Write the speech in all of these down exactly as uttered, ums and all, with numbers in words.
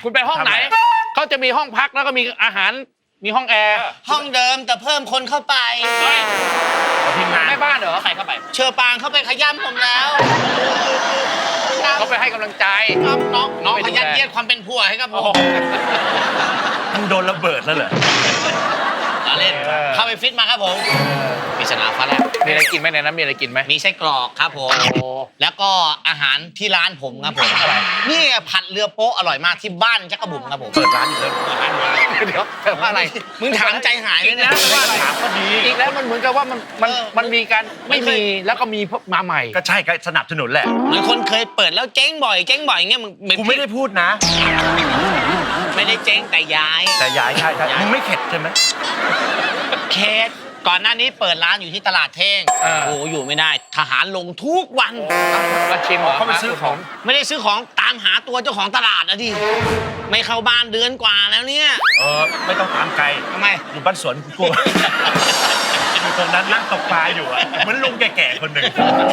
คุณไปห้องไหนเขาจะมีห้องพักแล้วก็มีอาหารมีห้องแอร์ห้องเดิมแต่เพิ่มคนเข้าไปทีมงานแม่บ้านเหรอใครเข้าไปเชอปางเข้าไปขย้ำผมแล้วเขาไปให้กำลังใจครับน้องน้องขยันเยียดความเป็นผัวให้กับผมมึงโดนระเบิดแล้วเหรอเล่นเข้าไปฟิตมาครับผมมีสนามฟ้าแลบมีอะไรกินไหมในนั้นมีอะไรกินไหมมีไส้กรอกครับผมแล้วก็อาหารที่ร้านผมครับผมนี่ผัดเรือโป๊ะอร่อยมากที่บ้านจักรบุ๋มครับผมเปิดร้านอยู่แล้วเปิดร้านอยู่แล้วเดี๋ยวแต่ว่าอะไรมึงถามใจหายเลยนะว่าอะไรถามก็ดีอีกแล้วมันเหมือนกับว่ามันมันมันมีการไม่มีแล้วก็มีมาใหม่ก็ใช่ก็สนับสนุนแหละเหมือนคนเคยเปิดแล้วเจ๊งบ่อยเจ๊งบ่อยอย่างเงี้ยมึงกูไม่ได้พูดนะไม่ได้เจ๊งแต่ย้ายแต่ย้ายใช่ใช่มึงไม่เข็ดใช่ไหมเคสก่อนหน้านี้เปิดร้านอยู่ที่ตลาดเท่งโอ้อยู่ไม่ได้ทหารลงทุกวันก็ชิมเหรอเขาไปซื้อของไม่ได้ซื้อของตามหาตัวเจ้าของตลาดอะดิไม่เข้าบ้านเดือนกว่าแล้วเนี่ยเออไม่ต้องตามไกลทำไมอยู่บ้านสวนกูอยู่ตรงนั้นนั่งตกปลาอยู่อะเหมือนลุงแก่ๆคนหนึ่ง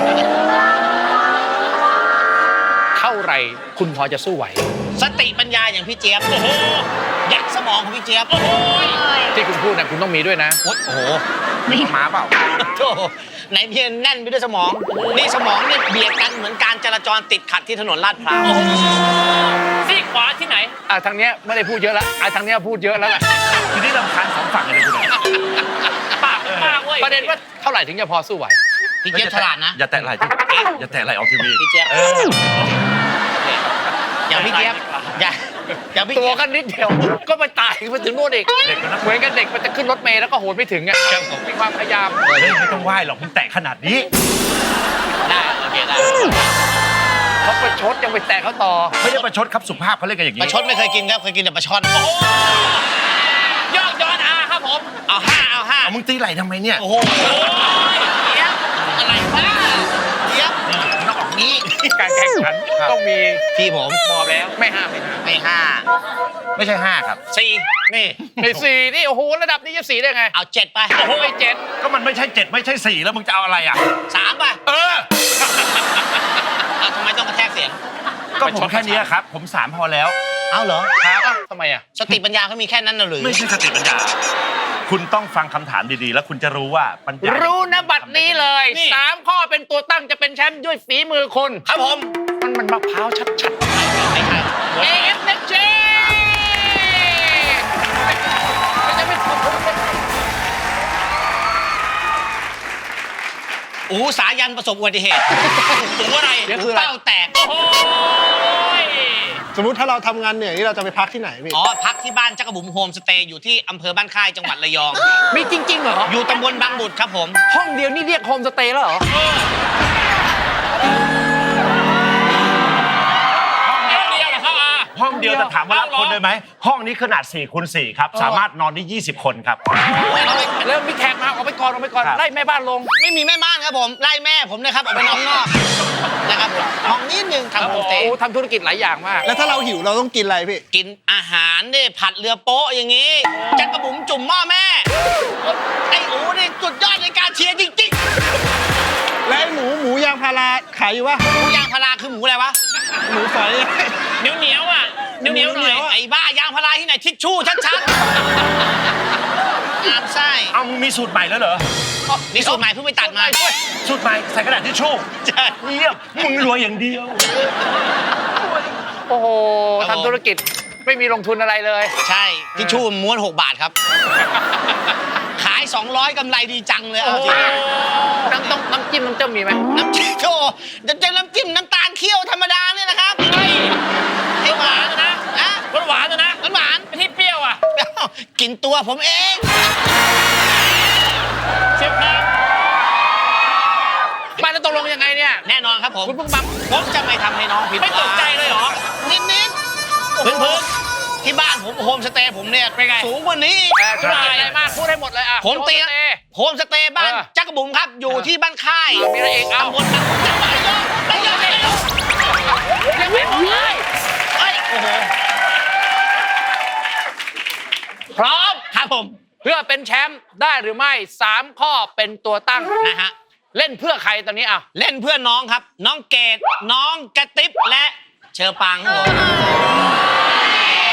เท่าไหร่คุณพอจะสู้ไหวสติปัญญาอย่างพี่เจี๊ยบโอ้โหยักษ์สมองของพี่เจี๊ยบโอ้โหที่คุณพูดนะคุณต้องมีด้วยนะโอ้โหมีม้าเปล่าโธ่ไหนเพียนแน่นไปด้วยสมองนี่สมองนี่เบียดกันเหมือนการจราจรติดขัดที่ถนนลาดพร้าวซีกขวาที่ไหนอ่ะทางเนี้ยไม่ได้พูดเยอะแล้วอ่ะทางเนี้ยพูดเยอะแล้วแหละทีนี้รำคาญสองฝั่งเลยคุณปากปากเว้ยประเด็นว่าเท่าไหร่ถึงจะพอสู้ไหวพี่เจี๊ยบฉลาดนะอย่าแตะไหล่อย่าแตะไหล่ออกทีวีพี่เจี๊ยบอย่าพี่เจี๊ยบอย่าอย่าพี่ตัวกันนิดเดียวก็ไปตายไปถึงโน่นอีกเหมือนกันเด็กมันจะขึ้นรถเมล์แล้วก็โหนไม่ถึงอ่ะมีความพยายามเฮ้ยไม่ต้องไหว้หรอกคุณแตะขนาดนี้ได้โอเคได้เขาไปชดยังไปแตะเขาต่อไม่ได้ประชดครับสุภาพเขาเรียกกันอย่างนี้ประชดไม่เคยกินครับเคยกินแต่ปลาช่อนยอดยอดอาครับผมเอาห้าเอาห้ามึงตีไหล่ทำไมเนี่ยโอ้โหเจี๊ยบอะไรวะเจี๊ยบนอกนี้การแข่งขันต้องมีที่ผมบอกแล้วไม่ห้าไม่ห้าไม่ห้าไม่ใช่ห้าครับสี่นี่ไม่สี่นี่โอ้โหระดับนี้จะสี่ได้ไงเอาเจ็ดไปโอ้โหเจ็ดก็มันไม่ใช่เจ็ดไม่ใช่สี่แล้วมึงจะเอาอะไรอ่ะสามไปเออทำไมต้องกระแทกเสียงก็ผมแค่นี้ครับผมสามพอแล้วเอาเหรอครับทำไมอ่ะสติปัญญาเขามีแค่นั้นน่ะหรือไม่ใช่สติปัญญาคุณต้องฟังคำถามดีๆแล้วคุณจะรู้ว่าปัญญารู้นะบัดนี้เลยสามข้อเป็นตัวตั้งจะเป็นแชมป์ด้วยฝีมือคุณครับผมมันมันมะพร้าวชัดๆไม่ใช่เอ เอฟ เน็กเจจะไม่ถูกอูสายันประสบอุบัติเหตุหูอะไรเป้าแตกโอ้ยสมมุติถ้าเราทำงานเหนื่อยนี่เราจะไปพักที่ไหนพี่อ๋อพักที่บ้านจักรบุ๋มโฮมสเตย์อยู่ที่อำเภอบ้านค่ายจังหวัดระยองมีจริงๆเหรออยู่ตำบลบางบุตรครับผมห้องเดียวนี่เรียกโฮมสเตย์แล้วเหรอห้องเดียวจะถามว่ารับคนได้ไหมห้องนี้ขนาดสี่คูณสี่ครับสามารถนอนได้ยี่สิบคนครับแล้วมีแขกมาออกไปก่อนออกไปก่อนไล่แม่บ้านลงไม่มีแม่บ้านครับผมไล่แม่ผมนะครับออกไปนอกนอกนะครับห้องนี้หนึ่งทำโฮมสเตย์ทำธุรกิจหลายอย่างมากแล้วถ้าเราหิวเราต้องกินอะไรพี่กินอาหารนี่ผัดเรือโป๊ะอย่างนี้จักรบุ๋มจุ่มหม้อแม่ไอ้อูนี่สุดยอดในการเชียร์จริงๆแล้วหมูหมูยางพาราขายอยู่ปะหมูยางพาราคือหมูอะไรวะหมูฝอยเหนียวเหนียวอ่ะเหนียวเหนียวหน่อยไอ้บ้ายางพาราที่ไหนทิชชู่ชัดๆงามไส้เอามีสูตรใหม่แล้วเหรอมีสูตรใหม่เพิ่งไปตัดมาสูตรใหม่ใส่กระดาษทิชชู่ใช่เยี่ยมมึงรวยอย่างเดียวโอ้โหทำธุรกิจไม่มีลงทุนอะไรเลยใช่ทิชชู่ม้วนหกบาทครับขายสองร้อยกำไรดีจังเลยเอาจริงน้ำต้องน้ำจิ้มน้ำเจ้ามีไหมน้ำจิ้มโอ้จะเจอน้ำจิ้มน้ำตาลเคี่ยวธรรมดาเนี่ยนะครับให้หวานนะนะหวานนะหวานไม่ที่เปรี้ยวอ่ะกินตัวผมเองเชฟครับมาแล้วตกลงยังไงเนี่ยแน่นอนครับผมคุณเพิ่งบังผมจะไม่ทำให้น้องผิดหวังไม่ตกใจเลยเหรอนิดนิดพื้นพื้นที่บ้านผมโฮมสเตย์ผมเนี่ยสูงกว่านี้ธุรกิจอะไรมากพูดให้หมดเลยอ่ะผมเตียโฮมสเตย์บ้านจักรบุ๋มครับอยู่ที่บ้านค่ายมีอะไรอีกเอาตำบลจังหวัดระยองระยองระยองยังไม่หมดเลยเฮ้ยโอ้โหพร้อมครับผมเพื่อเป็นแชมป์ได้หรือไม่สามข้อเป็นตัวตั้งนะฮะเล่นเพื่อใครตอนนี้อ่ะเล่นเพื่อน้องครับน้องเกดน้องกระติบและเชอปางครับผม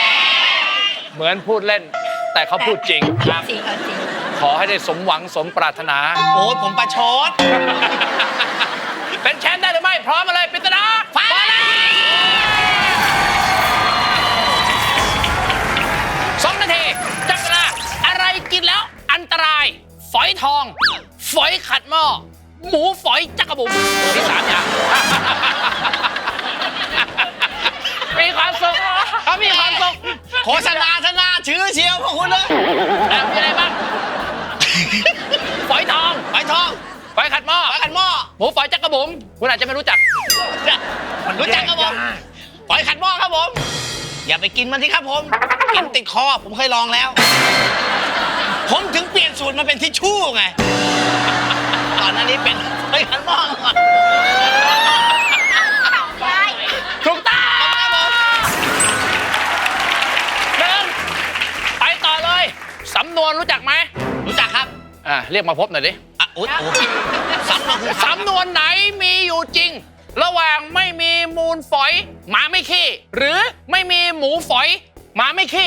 เหมือนพูดเล่น แต่เขาพูดจริงครับจริงเอาจริงขอให้ได้สมหวังสมปรารถนาโอ้ยผมประชดเป็นแชมป์ได้หรือไม่ พร้อมมาเลยปริศนาฟ้าแลบสองนาทีจับเวลาอะไรกินแล้วอันตราย ฝอยทอง ฝอยขัดหม้อ หมูฝอยจักระบุ๋มที่สามอย่าง มีความสุขเขามีความสุขโฆษณาธนาชื่อเชียวพวกคุณเลยอ่ะมีอะไรบ้าง ฝอยทองฝอยทองฝอยขัดหม้อฝอยขัดหม้อหมูฝอยจักระบุ๋มคุณอาจจะไม่รู้จักรู้จักครับผมฝอยขัดหม้อครับผม อย่าไปกินมันที่ครับผม กินติดคอผมเคยลองแล้ว ผมถึงเปลี่ยนสูตรมาเป็นทิชชู่ไงก่อนหน้านี้เป็นฝอยขัดหม้อก่อนถูกต้องหนึ่งไปต่อเลย สำนวนรู้จักไหมรู้จักครับอ่ะเรียกมาพบหน่อยดิอ่ะโอ๊ยโอ๊ยซ้ำมาคือสำนวนไหนมีอยู่จริง ระหว่างไม่มีมูลฝอย หมาไม่ขี้ หรือไม่มีหมูฝอย หมาไม่ขี้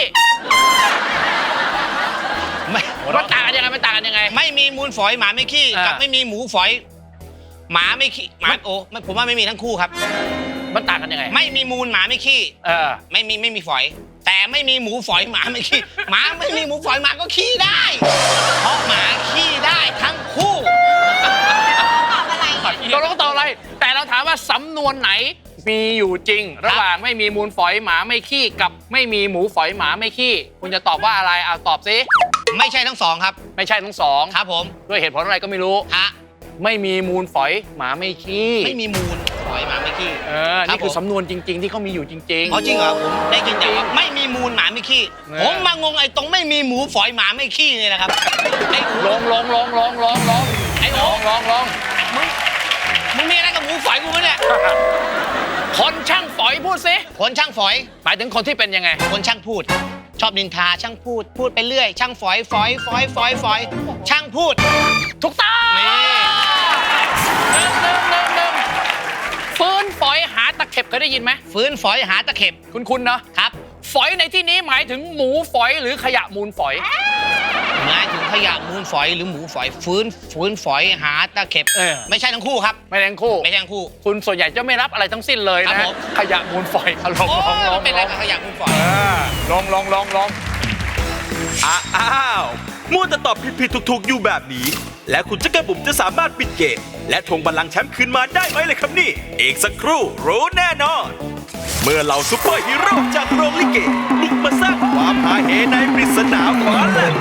ไม่มันต่างกันยังไงมันต่างกันยังไงไม่มีมูลฝอยหมาไม่ขี้อ่ากักับไม่มีหมูฝอย หมาไม่ขี้หมาโอ้ไม่ผมว่าไม่มีทั้งคู่ครับมันต่างกันยังไงไม่มีมูลหมาไม่ขี้เออไม่มีไม่มีฝอย แต่ไม่มีหมูฝอยหมาไม่ขี้ หมาไม่มีหมูฝอยหมาก็ขี้ได้ เพราะหมาขี้ได้ทั้งคู่ตอบอะไรเนี่ยตกลงต่ออะไร แต่เราถามว่าสำนวนไหนมีอยู่จริง ระหว่างไม่มีมูลฝอยหมาไม่ขี้กับไม่มีหมูฝอยหมาไม่ขี้ คุณจะตอบว่าอะไรเอาตอบสิไม่ใช่ทั้งสองครับไม่ใช่ทั้งสองครับผมด้วยเหตุผลอะไรก็ไม่รู้ฮะไม่มีมูลฝอยหมาไม่ขี้ไม่มีมูลฝอยหมาไม่ขี้เออ นี่คือสำนวนจริง ๆ ที่เขามีอยู่จริงอ๋อจริงเหรอผมได้ยินแต่ว่าไม่มีมูลหมาไม่ขี้เออผมมางงไอ้ตรงไม่มีหมูฝอยหมาไม่ขี้เนี่ยนะครับไอ้ลงลงลงลงลงลงไอ้ลโอ๊งลงลงมึงมึงมีอะไรกับหมูฝอยกูปะเนี่ยคนช่างฝอยพูดสิคนช่างฝอยหมายถึงคนที่เป็นยังไงคนช่างพูด ชอบนินทาช่างพูด พูดไปเรื่อย ช่างฝอยฝอยฝอยฝอยฝอยช่างพูดถูกต้องนี่หนึ่งหนึ่งหนึ่งหนึ่งฟื้นฝอยหาตะเข็บเคยได้ยินไหมฟื้นฝอยหาตะเข็บคุณคุณเนาะครับฝอยในที่นี้หมายถึงหมูฝอยหรือขยะมูลฝอยหมายถึงขยะมูลฝอยหรือหมูฝอย ฟื้นฟื้นฝอยหาตะเข็บเออไม่ใช่ทั้งคู่ครับไม่แรงคู่ไม่ใช่ทั้งคู่คุณส่วนใหญ่จะไม่รับอะไรทั้งสิ้นเลยครันะบผมขยะมูลฝอยลองโอ้ลองยลอมังนเป็นอะไรลองกับขยะมูลฝอยลองลองลองลองอ้าวมัวแต่ตอบผิดๆถูกๆอยู่แบบนี้ และคุณจักรบุ๋มจะสามารถปิดเกมและทวงบัลลังก์แชมป์คืนมาได้ไหมเลยครับนี่อีกสักครู่รู้แน่นอน เมื่อเหล่าซุปเปอร์ฮีโร่จากโรงลิเกบุกมาสร้างความฮาเฮในปริศนาฟ้าแลบ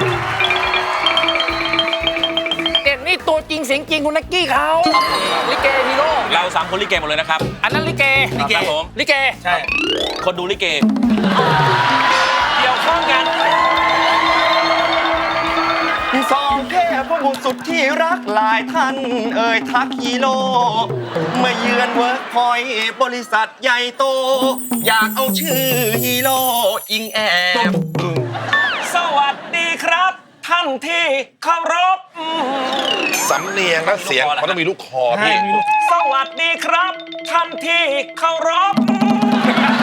เด็กนี่ตัวจริงเสียงจริงคุณนักกี้เขาลิเกฮีโร่เราสามคนลิเกหมดเลยนะครับอันนั้นลิเกลิเกครับผมลิเกใช่ คนดูลิเก เกี่ยวข้องกันสองเทพบุตรสุดที่รักหลายท่านเอ่ยทักฮีโร่เมื่อเยือนเวิร์กพอยต์บริษัทใหญ่โต อยากเอาชื่อฮีโร่อิงแอบสวัสดีครับ ท่านที่เคารพสำเนียงและเสียงมันต้องมีลูกคอพี่สวัสดีครับ ท่านที่เคารพ